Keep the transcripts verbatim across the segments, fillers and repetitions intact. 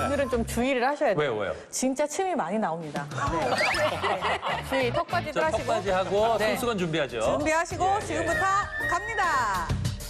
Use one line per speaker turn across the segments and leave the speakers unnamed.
오늘은 좀 주의를 하셔야 돼요.
왜요, 왜요?
진짜 침이 많이 나옵니다. 네. 네. 주의, 턱받이도
자,
하시고.
턱까지 하고
네.
손수건 준비하죠.
준비하시고
예, 예.
지금부터 갑니다.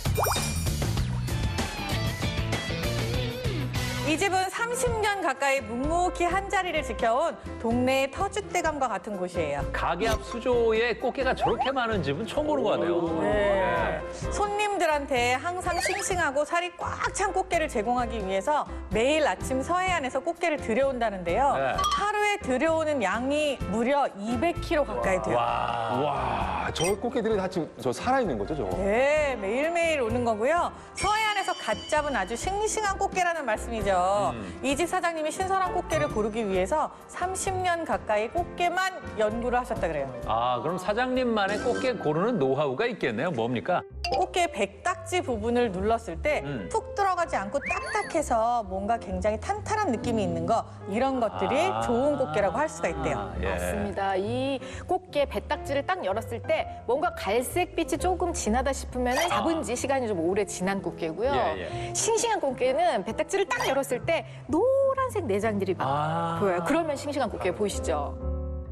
이 집은 삼십 년 가까이 묵묵히 한자리를 지켜온 동네의 터줏대감과 같은 곳이에요.
가게 앞 수조에 꽃게가 저렇게 많은 집은 처음 보는 것 같네요.
네. 손님들한테 항상 싱싱하고 살이 꽉 찬 꽃게를 제공하기 위해서 매일 아침 서해안에서 꽃게를 들여온다는데요.
네.
하루에 들여오는 양이 무려 이백 킬로그램 가까이 돼요.
와.
와, 저 꽃게들이 다 지금 저 살아있는 거죠, 저거?
네, 매일매일 오는 거고요. 서해안에서 갓 잡은 아주 싱싱한 꽃게라는 말씀이죠.
음.
이 집 사장님이 신선한 꽃게를 고르기 위해서 삼십 년 가까이 꽃게만 연구를 하셨다 그래요.
아, 그럼 사장님만의 꽃게 고르는 노하우가 있겠네요. 뭡니까?
꽃게 백딱지 부분을 눌렀을 때 툭
음.
들어가지 않고 딱딱해서 뭔가 굉장히 탄탄한 느낌이 있는 거, 이런 것들이
아.
좋은 꽃게라고 할 수가 있대요.
아, 예.
맞습니다. 이 꽃게 배딱지를 딱 열었을 때 뭔가 갈색빛이 조금 진하다 싶으면 잡은 지 시간이 좀 오래 지난 꽃게고요.
예, 예.
싱싱한 꽃게는 배딱지를 딱 열었을 때 노란색 내장들이 막
아.
보여요. 그러면 싱싱한 꽃게 보이시죠?